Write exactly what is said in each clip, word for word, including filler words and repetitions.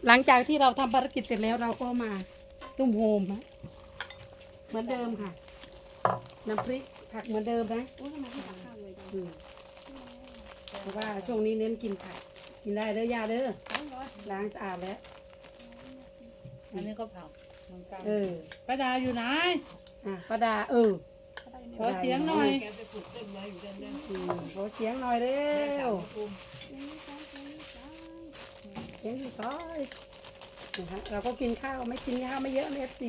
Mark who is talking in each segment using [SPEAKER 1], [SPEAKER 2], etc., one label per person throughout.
[SPEAKER 1] หลังจากที่เราทำภารกิจเสร็จแล้วเราก็มาตุ้มโฮมนะเหมือนเดิมค่ะน้ำพริกผักเหมือนเดิมนะ
[SPEAKER 2] โอ้ทำไมไม่ตักข้าวเลยจัง
[SPEAKER 1] อืมเพราะว่าช่วงนี้เน้นกินผักกินได้เด้อยาเด้อล้างสะอาดแล้ว
[SPEAKER 3] อันนี้ก็ผักเหมือนกัน
[SPEAKER 1] เออ
[SPEAKER 3] ป้าดาอยู่ไหน
[SPEAKER 1] อ่ะป้าดาเออ
[SPEAKER 3] ขอเสียงหน่อย
[SPEAKER 1] อืมขอเสียงหน่อยเร็วเสียงที่ซอยนะฮะเราก็กินข้าวไม่กินข้าวไม่เยอะเอฟซี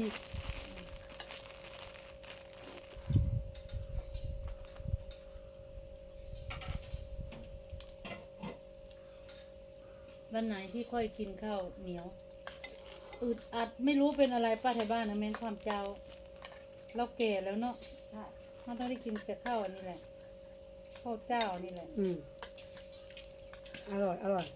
[SPEAKER 3] วันไหนที่ค่อยกินข้าวเหนียวอึดอัดไม่รู้เป็นอะไรป้าไทยบ้านนะเม้นความเจ้า เราแก่แล้วเนาะเราต้องได้กินแต่ข้าวอันนี้แหละข้าวเจ้านี่แหละ
[SPEAKER 1] อืมอร่อยอร่อย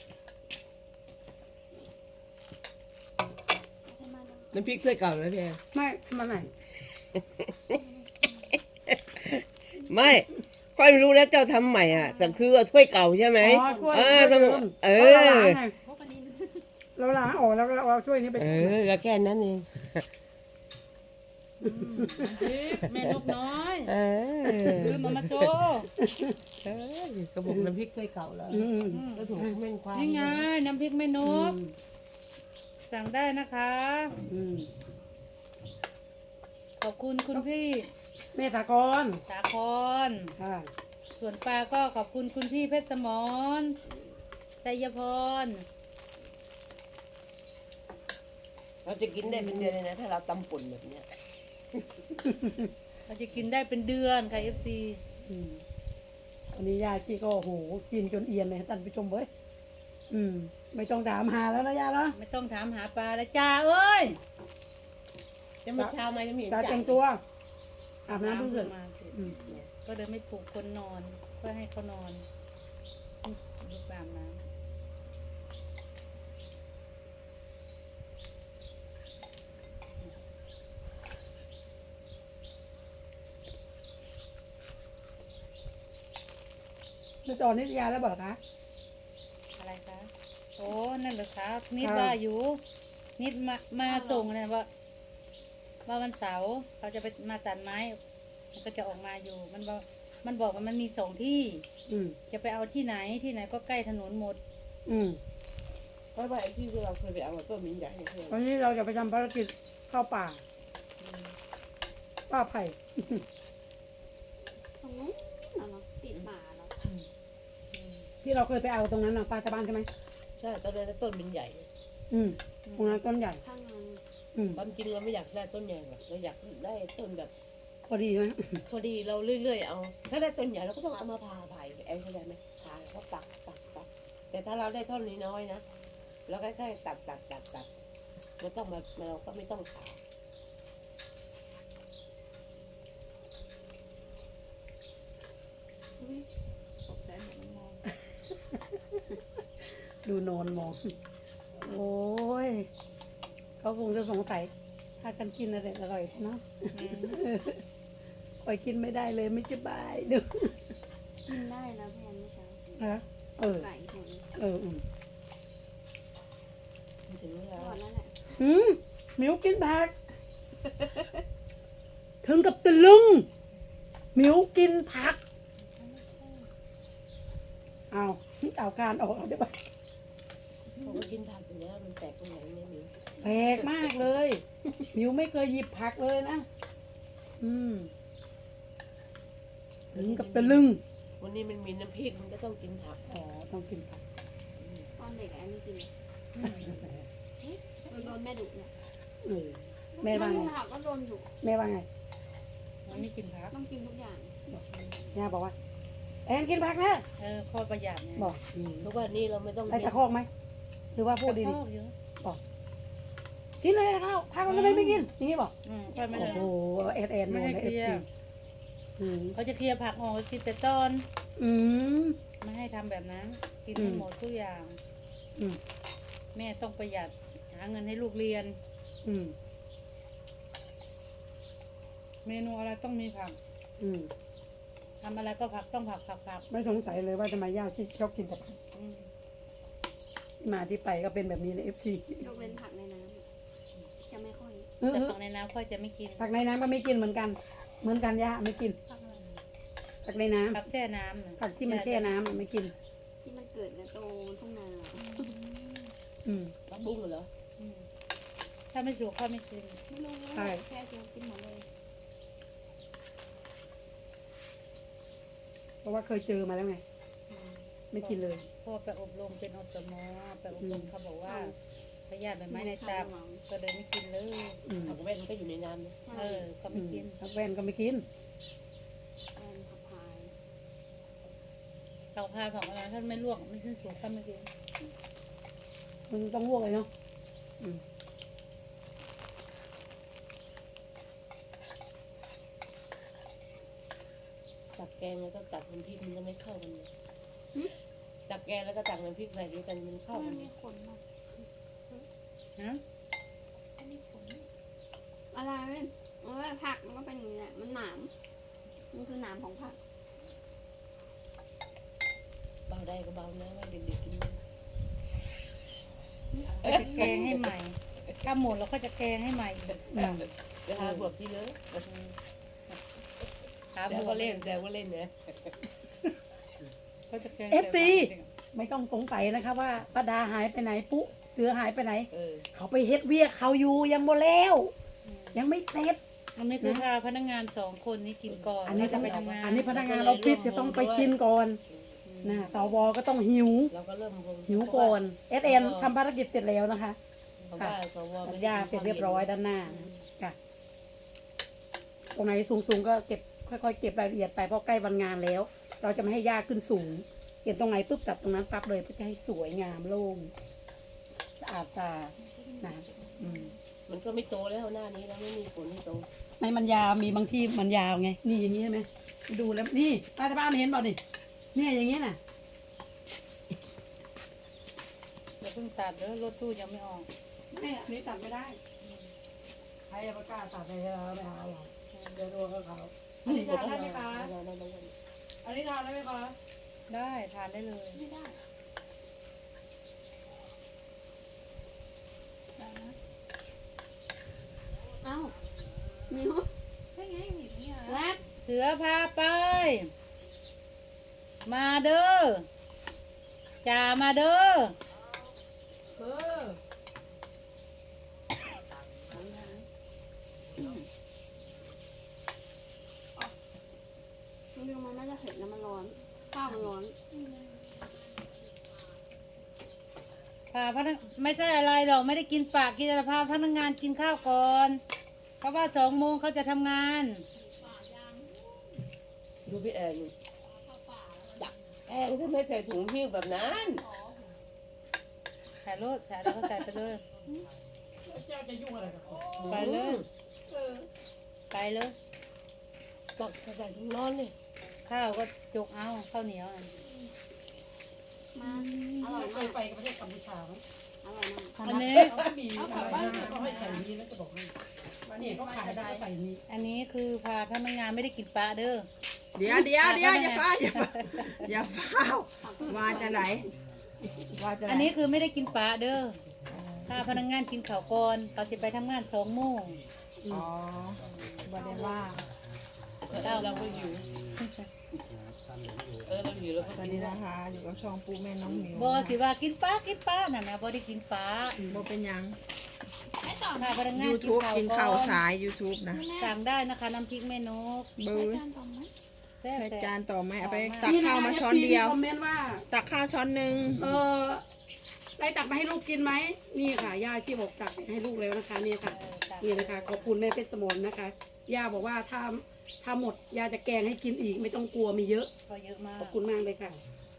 [SPEAKER 4] น้ำพริกถ้วยเก่าแล้วพี่แอน
[SPEAKER 1] ไม่ทำไมไม่
[SPEAKER 4] ไม่ค่อยรู้แล้วเจ้าทำใหม่อ่ะแต่คือเอาถ้วยเก่าใช่ไหม
[SPEAKER 1] อ๋อช่วย
[SPEAKER 4] เออต้องเอ
[SPEAKER 1] เอ
[SPEAKER 4] อ
[SPEAKER 1] เราล้างออกแล้วเราเอาช่วยนี้ไป
[SPEAKER 4] เออก็แค่นั้นเอง
[SPEAKER 3] แม่นกน้อย
[SPEAKER 4] เออ
[SPEAKER 3] ลืมมามาโชว์
[SPEAKER 4] เออกระบอกน้ำพริกถ้วยเก่าแล้ว
[SPEAKER 1] อืม
[SPEAKER 4] ก็ถูกแม่นความ
[SPEAKER 3] นี่ไงน้ำพริกแม่น
[SPEAKER 1] อื
[SPEAKER 3] ก
[SPEAKER 1] ม
[SPEAKER 3] สั่งได้นะคะ
[SPEAKER 1] อืม
[SPEAKER 3] ขอบคุณคุณพี่
[SPEAKER 1] เมษากร
[SPEAKER 3] สาคร
[SPEAKER 1] ค่ะ
[SPEAKER 3] ส่วนปลาก็ขอบคุณคุณพี่เพชรสมรชัยพร
[SPEAKER 4] เราจะกินได้เป็นเดือนเลยนะถ้าเราตำป่นแบบเนี้ย
[SPEAKER 3] เราจะกินได้เป็นเดือนค่ะเอฟซี
[SPEAKER 1] อืมอันนี้ยาชีก็โอ้โหกินจนเอียนเลยท่านผู้ชมเว้ยอืม ไม่ต้องถามหาแล้วนะยาเนาะ
[SPEAKER 3] ไม่ต้องถามหาปลาแล้วจ้าเอ้ย
[SPEAKER 4] จะมาเช้ามาจะมี
[SPEAKER 1] ตาแต่งตัวอาบน้ำเพิ่งเสร็จ
[SPEAKER 3] มาเสร็จ
[SPEAKER 1] อืม
[SPEAKER 3] ก็เดินไม่ปลุกคนนอนเพื่อให้เขานอนลุกตามน้
[SPEAKER 1] แล้วตอนนี้ยาแล้วบอกคะ
[SPEAKER 3] ำอะไรคะโอ้นั่นเหรอคะนิด
[SPEAKER 1] ค่ะ
[SPEAKER 3] ว่าอยู่ นิดมามาส่งเนี่ยว่า ว่าวันเสาร์เขาจะไปมาตัดไม้ มันก็จะออกมาอยู่ มันบอกมันบอกว่ามันมีสองที่
[SPEAKER 1] อืม
[SPEAKER 3] จะไปเอาที่ไหนที่ไหนก็ใกล้ถนนหมด
[SPEAKER 1] อืม
[SPEAKER 4] เพราะว่าไอ้ที่เราเคยไปเอาต้นมิ้นใหญ่เนี่ย
[SPEAKER 1] วันนี้เราจะไปทำภารกิจเข้าป่าป่าไผ่
[SPEAKER 2] ตรงนู้นเอาเหรอติดป่าเหรอ
[SPEAKER 1] ที่เราเคยไปเอาตรงนั้นน่ะป่าชาวบ้านใช่ไหม
[SPEAKER 4] ใช่ตอนนั้นต้นมิ้นใหญ่
[SPEAKER 1] อืมตรงนั้นต้นใหญ่
[SPEAKER 2] ข้างใน
[SPEAKER 1] อืม
[SPEAKER 4] ความจริงเราไม่อยากได้ต้นใหญ่หรอกเราอยากได้ต้นแบบ
[SPEAKER 1] พอดีไหม
[SPEAKER 4] พอดีเราเรื่อยๆเอา ถ้าได้ต้นใหญ่เราก็ต้องเอามาผ่าไผ่แอนเข้าใจไหมผ่าแล้วก็ตัดตัดตัดแต่ถ้าเราได้ต้นนี้น้อยนะเราก็แค่ตัดตัดตัดตัดไม่ต้องมาเราก็ไม่ต้องผ่า
[SPEAKER 2] อุ๊ยตกใจหมดมันมอง
[SPEAKER 1] ดูนอนมอง โอ้ยเขาคงจะสงสัยถ้ากันกินอะไรอร่อยเนาะคอยกินไม่ได้เลยไม่สบายดู
[SPEAKER 2] กินได้แล้วแพนเมื่อเช้า
[SPEAKER 1] นะเออ
[SPEAKER 2] ไก่ผล
[SPEAKER 1] เอออืม
[SPEAKER 4] ถึงเวลา
[SPEAKER 2] ก่อนแล้วแหละ
[SPEAKER 1] หืมหมิวกินผัก ถึงกับตะลึงหมิวกินผักเอาเอาการออกเอาได้ปะ
[SPEAKER 4] ผมก็กินผักอยู่แล้วมันแปลกตรงไหนไม่รู้
[SPEAKER 1] แปลกมากเลยหมิวไม่เคยหยิบผักเลยนะอืมถึงกับตะลึง
[SPEAKER 4] วันนี้มันมีน้ำพริกมันก็ต้องกินผัก
[SPEAKER 1] อ๋อต้องกินผัก
[SPEAKER 2] ตอนเด็กอะอันนี้กินเลยโดนแม่ดุเนี่ย
[SPEAKER 1] เออแม่ว่าไง
[SPEAKER 2] ผักก็โดนดุ
[SPEAKER 1] แม่ว่าไง
[SPEAKER 3] มันไม่กินผัก
[SPEAKER 2] ต้องกินทุกอย่าง
[SPEAKER 1] ย่าบอกว่าแอนกินผักนะ
[SPEAKER 3] เออข้อประหยัดเนี่ย
[SPEAKER 1] บอกอืม
[SPEAKER 4] ทุกวันนี้เราไม่ต้อง
[SPEAKER 1] ไอ้ตะคอกไหมหรือว่าพูดดี
[SPEAKER 3] ชอบอยู่
[SPEAKER 1] ๆกินเลยข้าวผักมันทำไมไม่กินอย่างนี้บอก
[SPEAKER 3] อืมค่อยไม่
[SPEAKER 1] โอ้
[SPEAKER 3] ได้
[SPEAKER 1] โหแอนแอนโด
[SPEAKER 3] ไม่
[SPEAKER 1] น
[SPEAKER 3] ให้
[SPEAKER 1] เลย
[SPEAKER 3] เค
[SPEAKER 1] เอฟ
[SPEAKER 3] ลีย
[SPEAKER 1] ซี
[SPEAKER 3] ร์
[SPEAKER 1] อืม
[SPEAKER 3] เขาจะเคลียร์ผักออกกินแต่ตอน
[SPEAKER 1] อืม
[SPEAKER 3] ไม่ให้ทำแบบนั้น กิน
[SPEAKER 1] อื
[SPEAKER 3] ให้
[SPEAKER 1] ม
[SPEAKER 3] หมดทุกอย่าง
[SPEAKER 1] อืม
[SPEAKER 3] แม่ต้องประหยัดหาเงินให้ลูกเรียน
[SPEAKER 1] อืม
[SPEAKER 3] เมนูอะไรต้องมีผัก
[SPEAKER 1] อืม
[SPEAKER 3] ทำอะไรก็ผักต้องผักผักผัก
[SPEAKER 1] ไม่สงสัยเลยว่าทำไมย่าชิชอบกินแต่ผัก
[SPEAKER 3] อืม
[SPEAKER 1] ที่มาที่ไปก็เป็นแบบนี้ในเอฟซี
[SPEAKER 2] ยกเว้นผักในน้ำอะจะไม่ค่อย
[SPEAKER 3] แต่ผักในน้ำค่อยจะไม่กิน
[SPEAKER 1] ผักในน้ำก็ไม่กินเหมือนกัน เหมือนกันย่าไม่กินผักในน้ำ
[SPEAKER 3] ผักแช่น้ำน่ะ
[SPEAKER 1] ผักที่มันแช่น้ำอะไม่กิน
[SPEAKER 2] ที่มันเกิดในโตทุ่งนา
[SPEAKER 1] อืม
[SPEAKER 4] ผักบุ้งเหรอ
[SPEAKER 3] อืมถ้าไม่สุกค่อยไม่กิน
[SPEAKER 2] ไม่รู้
[SPEAKER 1] ใช่
[SPEAKER 2] แค่เจียวกินหมดเลย
[SPEAKER 1] เพราะว่าเคยเจอมาแล้วไง ไม่กินเลย
[SPEAKER 3] เพราะว่อไปอบรมเป็นอสมไปอบรมเขาบอกว่าพยาธิใบไม้ในตับก็เลยไม่กินเลย
[SPEAKER 1] อืม
[SPEAKER 4] ผักแว่นก็อยู่ในน้ำนะ
[SPEAKER 3] เออ ก็
[SPEAKER 1] อื
[SPEAKER 3] ไม่
[SPEAKER 1] ม
[SPEAKER 3] กิน
[SPEAKER 1] ผักแว่นก็ไม่กิน
[SPEAKER 2] แอนผักพาย
[SPEAKER 3] เขาพาของอะไรถ้าไม่ลวกไม่ขึ้นสูงก็ไม่กิน
[SPEAKER 1] มันต้องลวกเลยเนาะอืม
[SPEAKER 4] ตักแกงแล้วก็ตักน้ำพริกมันก็ไม่เข้ากันเลยตักแกงแล้วก็ตักน้ำพริกใส่ด้วยกันมันเข้า
[SPEAKER 2] มั
[SPEAKER 4] กัน น
[SPEAKER 2] มีขนมาก
[SPEAKER 3] ฮะ
[SPEAKER 2] มันมีขนอะไรเว้ยเออผักมันก็เป็นอย่างนี้แหละมันหนามมันคือหนามของผัก
[SPEAKER 4] เบาได้ก็เบานะให้เด็กๆกิน
[SPEAKER 3] ก็จะแกงให้ใหม่ถ้าหมดเราก็จะแกงให้ใหม่อีก
[SPEAKER 1] อืม
[SPEAKER 4] เวลาบวกที่เลย
[SPEAKER 3] ขา
[SPEAKER 4] แต่
[SPEAKER 3] บว
[SPEAKER 4] ก็
[SPEAKER 3] ก
[SPEAKER 4] เล่นแต่ก็เล่นเนี่ย
[SPEAKER 3] ก็จะแกง
[SPEAKER 1] เอฟซี
[SPEAKER 3] ใส่หวาน
[SPEAKER 1] ไม่ต้องสงสัยนะคะว่าป้าดาหายไปไหนปุ๊เสือหายไปไหน
[SPEAKER 4] เออ
[SPEAKER 1] เขาไปเฮ็ดเวียกเขาอยู่ยังบ่แล้ว
[SPEAKER 3] อืม
[SPEAKER 1] ยังไม่เสร็จ
[SPEAKER 3] อันนี้คือพาพนักงานสองคนนี้กินก่อน
[SPEAKER 1] อันนี้
[SPEAKER 3] แล้ว
[SPEAKER 1] ต้
[SPEAKER 3] จะ
[SPEAKER 1] อง
[SPEAKER 3] ไปทำงาน
[SPEAKER 1] อันนี้พนักงานออฟฟิศจะต้องไปกินก่อน
[SPEAKER 3] อืม
[SPEAKER 1] นะสวก็ต้องหิว
[SPEAKER 4] เราก็เริ่มวง
[SPEAKER 1] หิวก่อนเอสเอ็นทำภารกิจเสร็จแล้วนะคะ
[SPEAKER 4] เพราะว่าสว
[SPEAKER 1] สัญญาเสร็จเรียบร้อยด้านหน้าค่ะตรงไหนสูงๆก็เก็บค่อยๆเก็บรายละเอียดไปเพราะใกล้วันงานแล้ว เราจะไม่ให้ยากขึ้นสูง เห็นตรงไหนปุ๊บตัดตรงนั้นปั๊บเลยเพื่อจะให้สวยงามโล่งสะอาดตานะอืม
[SPEAKER 4] มันก็ไม่โตแล้วหน้านี้แล้วไม่มีผลให้โต
[SPEAKER 1] ไม่มันยาวมีบางที่มันยาวไง นี่อย่างนี้ใช่ไหมดูแล้วนี่ป้าที่บ้านเห็นเปล่านี่เนี่ยอย่างนี้น่ะ
[SPEAKER 3] อย่าเพิ่งตัดเด้อรถตู้ยังไม่ออก
[SPEAKER 1] ไม่อันนี้ตัดไม่ได้ใครจะประกล้าศตัดให้เราไม่เอาหรอกเดี๋ยวโดนกับเขาอันนี้ทานได้ไหมคะ
[SPEAKER 4] เราเราเรา
[SPEAKER 1] อันนี้ทานได้ไหมคะ
[SPEAKER 3] ได้ทานได้เลย
[SPEAKER 2] ไม่ได้เอ้ามิวได้ไงหนีเนี่ยแวบ
[SPEAKER 3] เสือพาไป มาเด้อจ่ามาเด้อ
[SPEAKER 1] เออ
[SPEAKER 2] มิวมันไม่ได้เผ็ดนะมันร้อนข้าวมันร้อน
[SPEAKER 3] พาพนักไม่ใช่อะไรหรอกไม่ได้กินปากกินแต่พาพนักงานกินข้าวก่อน เพราะว่าสองโมงเขาจะทำงาน
[SPEAKER 4] ดูพี่แอนนี่จักแอนทำไมใส่ถุงหิ้วแบบนั้น
[SPEAKER 3] ใส่รถใส่แล้วก็ใส่ไปเลย
[SPEAKER 1] เจ้าจะยุ่งอะไรกับเขา
[SPEAKER 3] ไปเลย
[SPEAKER 1] เออ
[SPEAKER 3] ไปเลย
[SPEAKER 4] ตักใส่ถุงร้อนเลย
[SPEAKER 3] ข้าวก็จุกเอาข้าวเหนียวน่ะ
[SPEAKER 2] มาอร่อย
[SPEAKER 1] เค
[SPEAKER 2] มาย ก
[SPEAKER 1] ไปกับประเทศกัมพูชาไหม
[SPEAKER 2] อร่อยมาก
[SPEAKER 3] อันนี้
[SPEAKER 1] เขาก็มีอะไรนะเขาให้ใส่นี้แล้วจะบอกให้วันนี้เขาขายได้ใส่นี้
[SPEAKER 3] อันนี้คือพาพนักงานไม่ได้กินปลาเด้อ
[SPEAKER 5] เดี๋ยวเดี๋ยวเดี๋ยวอย่าฟ้าอย่าฟ้าอย่าฟ้าวมาจะไหนมาจะไหน
[SPEAKER 3] อันนี้คือไม่ได้กินปลาเด้อถ้าพนักงานกินข้าวก่อนเขาจะไปทำงานสองโมง
[SPEAKER 5] อ๋อบ่ได้ว่า
[SPEAKER 4] เราเราก็หิวเออเราหิวแล้วก็
[SPEAKER 5] สวัส
[SPEAKER 4] กิน
[SPEAKER 5] ดีนะคะ อยู่กับช่องปูแม่น้องหมิว
[SPEAKER 3] บอสิว่ากินปลากินปลาน่ะนะบอได้กินปลา
[SPEAKER 5] บ่เป็นหยัง
[SPEAKER 3] ถ้าพนักงาน
[SPEAKER 5] YouTube กินข้าว
[SPEAKER 3] ก่อ
[SPEAKER 5] สาย YouTube นะ
[SPEAKER 3] สั่งได้นะคะน้ำพริกแม่นก
[SPEAKER 5] เบื้อ
[SPEAKER 3] แซ่บ
[SPEAKER 5] ใช้
[SPEAKER 3] แซ่
[SPEAKER 5] จาน
[SPEAKER 3] บ
[SPEAKER 5] ต่อไหมเอาไป
[SPEAKER 3] ต่อมา
[SPEAKER 5] ตักข้าวมาช้อนเดียว
[SPEAKER 1] คอมเมนต์ว่า
[SPEAKER 5] ตักข้าวช้อนหนึ่ง
[SPEAKER 1] เออได้ตักมาให้ลูกกินไหมนี่ค่ะย่าที่บอกตักให้ลูกแล้วนะคะนี่ค่ะ
[SPEAKER 3] เออจ้ะ
[SPEAKER 1] นี่นะคะขอบคุณแม่เพชรสมนนะคะย่าบอกว่าถ้าถ้าหมดย่าจะแกงให้กินอีกไม่ต้องกลัวมีเยอะ
[SPEAKER 3] ก็เยอะมาก
[SPEAKER 1] ขอบคุณมากเลยค่ะ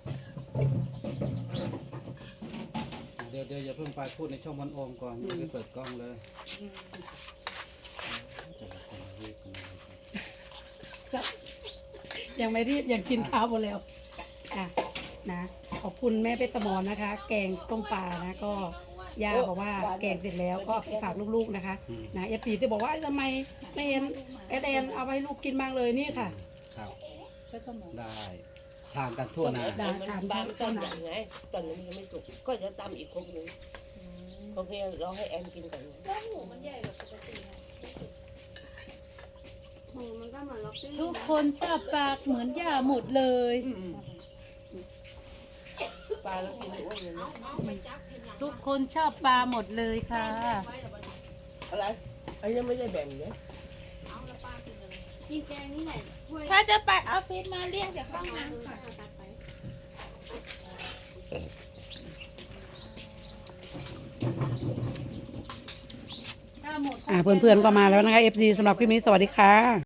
[SPEAKER 6] เดี๋ยวเดี๋ยวอย่าเพิ่งไปพูดในช่องวันโอมก่อนยังไม่ได้เปิดกล้องเลย
[SPEAKER 3] อืม
[SPEAKER 6] แต่ละคนเรียกกันมา
[SPEAKER 1] ยังไม่รีบยังกินข้าวหมดแล้วอ่ะนะขอบคุณแม่เพชรสมนนะคะ แกงต้มปลานะก็ย่าบอกว่าแกงเสร็จแล้วก็ฝากลูกๆนะคะนะเอฟซีที่บอกว่าทำไมไม่เห็นเอสเอ็นเอาไปให้ลูกกินบ้างเลยนี่ค่ะ
[SPEAKER 6] ครับ
[SPEAKER 3] ก็ต้องหมด
[SPEAKER 6] ได้ทานกันทั่วหน้า
[SPEAKER 4] ต้นมันบางต้นใหญ่ไงต้นนี้มันยังไม่สุกก็จะตำอีกครกหนึงโอเคเราให้แอนกินก่อนไง
[SPEAKER 2] หมูมันก็เหมือนล็อกซี่
[SPEAKER 3] ทุกคนชอบปลาเหมือนย่าหมดเลย
[SPEAKER 4] ปลาเรากินอ้วนเลยนะ
[SPEAKER 3] ทุกคนชอบปลาหมดเลยค่ะ
[SPEAKER 4] อะไรอันนี้ไม่ได้แบ่งเนี่ย
[SPEAKER 2] กินแกงนี่แหละถ้วย
[SPEAKER 7] ถ้าจะไปออฟฟิศมาเรียกเดี๋ยวเข้าน้ำก่อน
[SPEAKER 2] ตัดไป
[SPEAKER 3] ถ้าหมด
[SPEAKER 1] อ่าเพื่อนๆก็มาแล้วนะคะ เอฟ ซี สำหรับคลิปนี้สวัสดีค่ะ